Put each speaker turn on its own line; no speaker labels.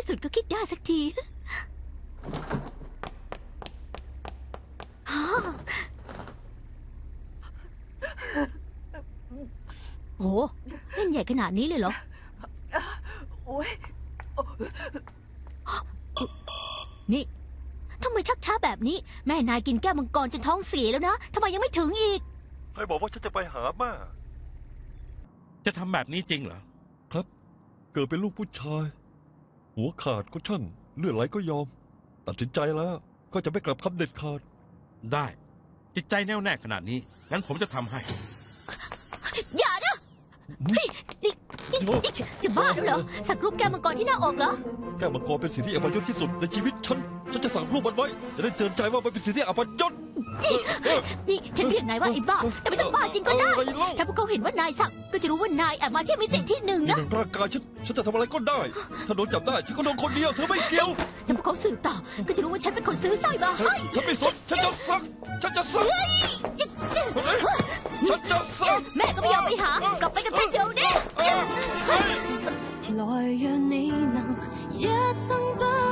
ที่สุดก็คิดได้สักทีโอ้เล่นใหญ่ขนาดนี้เลยเหรอ
โอ้ย
นี่ทำไมชักช้าแบบนี้แม่นายกินแก้วมังกรจนท้องเสียแล้วนะทำไมยังไม่ถึงอีก
ใครบอกว่าฉันจะไปหาแม่
จะทำแบบนี้จริงเหรอ
ครับเกิดเป็นลูกผู้ชาย หัวขาดก็ช่างเลือดไหลก็ยอม ตัดสินใจแล้วก็จะไม่กลับคำเด็ดขาด
ได้ จิตใจแน่วแน่ขนาดนี้งั้นผมจะทำให้
อย่านะเฮ้ยนี่จะบ้าแล้วเหรอสักรูปแก้วมังกรที่หน้าอกเหรอ
แก้วมังกรเป็นสิ่งที่อัปยศที่สุดในชีวิตฉันจะสั่งรูปมันไว้จะได้เตือนใจว่ามันเป็นสิ่งที่อัปยศ
นี่ฉันเรียกนายว่าไอ้บ้าแต่ไม่ต้องบ้าจริงก็ได้
อะไรเล่า
ถ้าพวกเขาเห็นว่านายสักก็จะรู้ว่านายแอบมาที่มิติที่หนึ่ง
ใน
นะ
ร่างกายฉันจะทำอะไรก็ได้ ถ้าโดนจับได้ฉันก็โดนคนเดียวเธอไม่เกี่ยว
ถ้าพวกเขาสืบต่อก็จะรู้ว่าฉันเป็นคนซื้อสร้อยมาให้
ฉันไม่สนฉันจะสักฉันจะสักฉันจะสัก
แม่ก็ไม่ยอมไปหากลับไปกับฉันเดี๋ยวนี้
來讓你能一生不